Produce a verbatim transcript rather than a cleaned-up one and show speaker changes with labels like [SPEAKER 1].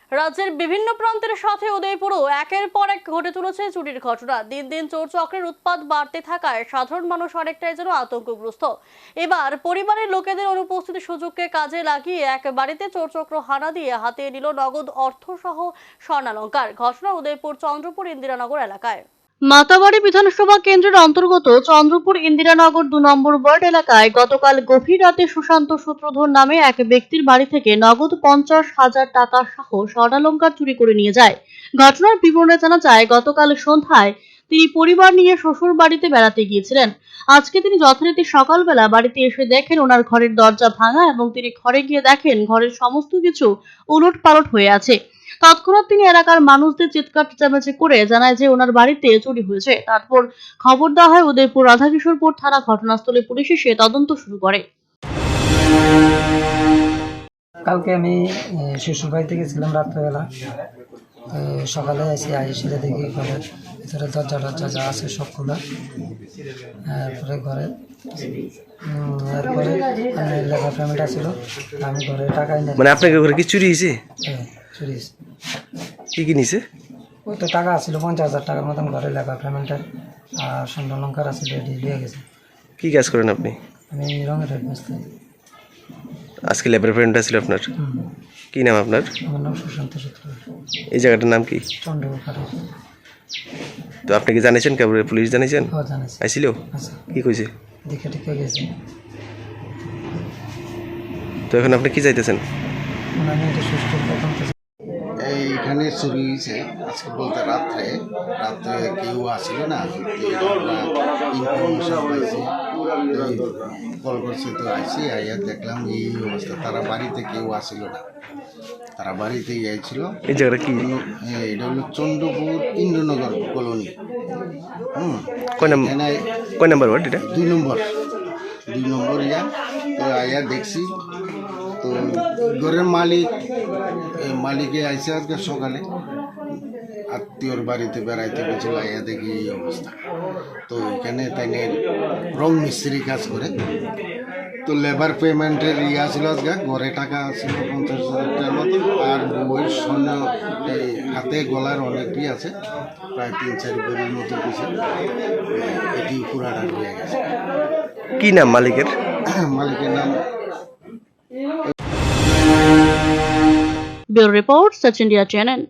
[SPEAKER 1] রাজ্যের বিভিন্ন প্রান্তের সাথে উদয়পুরও একের পর এক ঘটে চলেছে চুরির ঘটনা। দিন দিন চোর চক্রের উৎপাত বাড়তে থাকায় সাধারণ মানুষ অনেকটাই যেন আতঙ্কগ্রস্ত। এবার পরিবারের লোকেদের অনুপস্থিতি সুযোগকে কাজে লাগিয়ে এক বাড়িতে চোর চক্র হানা দিয়ে হাতিয়ে নিল নগদ অর্থ সহ স্বর্ণালংকার। ঘটনা উদয়পুর চন্দ্রপুর ইন্দিরানগর এলাকায়। মাতাবাড়ি বিধানসভা কেন্দ্রের অন্তর্গত চন্দ্রপুর ইন্দিরানগর দু নম্বর ওয়ার্ড এলাকায় গতকাল গভীর রাতে সুশান্ত সূত্রধর নামে এক ব্যক্তির বাড়ি থেকে নগদ পঞ্চাশ হাজার টাকা সহ স্বর্ণালংকার চুরি করে নিয়ে যায়। ঘটনার বিবরণে জানা যায়, গতকাল সন্ধ্যায় তিনি পরিবার নিয়ে শ্বশুর বাড়িতে বেড়াতে গিয়েছিলেন। আজকে তিনি যথারীতি সকালবেলা বাড়িতে এসে দেখেন ওনার ঘরের দরজা ভাঙা এবং তিনি ঘরে গিয়ে দেখেন ঘরের সমস্ত কিছু উলট পালট হয়ে আছে। তৎক্ষণাৎ তিনি এলাকার মানুষদের চিৎকার চেঁচামেচি করে জানায় যে ওনার বাড়িতে চুরি হয়েছে। তারপর খবর দেওয়া হয় উদয়পুর রাধাকিশোরপুর থানা। ঘটনাস্থলে পুলিশ এসে তদন্ত শুরু করে।
[SPEAKER 2] কালকে আমি শ্বশুর বাড়িতে গেছিলাম রাত্রেবেলা, সকালে এসে এসে দেখি ঘরের ভিতরে দরজা টরজা যা আছে সব খোলা। তারপরে ঘরে এরপরে লেখা ফ্যামিলিটা ছিল, আমি ঘরে টাকা এনে
[SPEAKER 3] মানে আপনাকে ঘরে কি চুরি হয়েছে?
[SPEAKER 2] হ্যাঁ চুরি হয়েছে।
[SPEAKER 3] কি কি নিছে?
[SPEAKER 2] ওই তো টাকা ছিল পঞ্চাশ হাজার টাকার মতন, ঘরে লেখা ফ্যামিলিটা আর স্বর্ণালংকার আছে দিয়ে গেছে।
[SPEAKER 3] কি কাজ করেন আপনি?
[SPEAKER 2] আমি রঙের হেড ব্যস্ত।
[SPEAKER 3] আজকে লেবার ফ্রেন্ডটা ছিল আপনার? কি নাম আপনার?
[SPEAKER 2] আমার নাম সুশান্ত সূত্র।
[SPEAKER 3] এই জায়গাটার নাম কি?
[SPEAKER 2] চন্দ্রপুর খাটে।
[SPEAKER 3] তো আপনি কি জানিয়েছেন কেবল পুলিশ জানিয়েছেন?
[SPEAKER 2] ও জানিস
[SPEAKER 3] আইছিল?
[SPEAKER 2] আচ্ছা
[SPEAKER 3] কি কইছে?
[SPEAKER 2] দেখে টিকে গেছে।
[SPEAKER 3] তো এখন আপনি কি চাইতেছেন?
[SPEAKER 2] আমি এটা সুস্থ প্রথম
[SPEAKER 4] এইখানে চুরি হয়েছে আজকে বলতে রাত্রে রাত্রে কেউ আসছিল না, ইনফরমেশন পাইছি, কল করছে তো আইসি আইয়া দেখলাম এই অবস্থা। তারা বাড়িতে কেউ আসছিল না, তারা বাড়িতেই আইছিল।
[SPEAKER 3] এই জায়গাটা কি?
[SPEAKER 4] এটা হলো চন্দ্রপুর ইন্দ্রনগর কলোনি। হুম
[SPEAKER 3] কয় নাম্বার কয় নাম্বার ওয়ার্ড এটা?
[SPEAKER 4] দুই নম্বর দুই নম্বর ইয়া। তো আইয়া দেখছি তো ঘরের মালিক মালিকে আইসে আজকে সকালে আত্মীয়র বাড়িতে বেড়াইতে গেছিল, আইয়া দেখি এই অবস্থা। তো এখানে তাই রং মিস্ত্রি কাজ করে, তো লেবার পেমেন্টের ইয়ে ছিল আজকে, ঘরে টাকা ছিল পঞ্চাশ হাজার টাকার মতো, আর বইয়ের স্বর্ণ এই হাতে গলার অনেকই আছে, প্রায় তিন চার বইয়ের মতো কিছু, এটি পুরাটা হয়ে গেছে।
[SPEAKER 3] কি নাম মালিকের?
[SPEAKER 4] মালিকের নাম
[SPEAKER 1] bureau report, Sach India channel.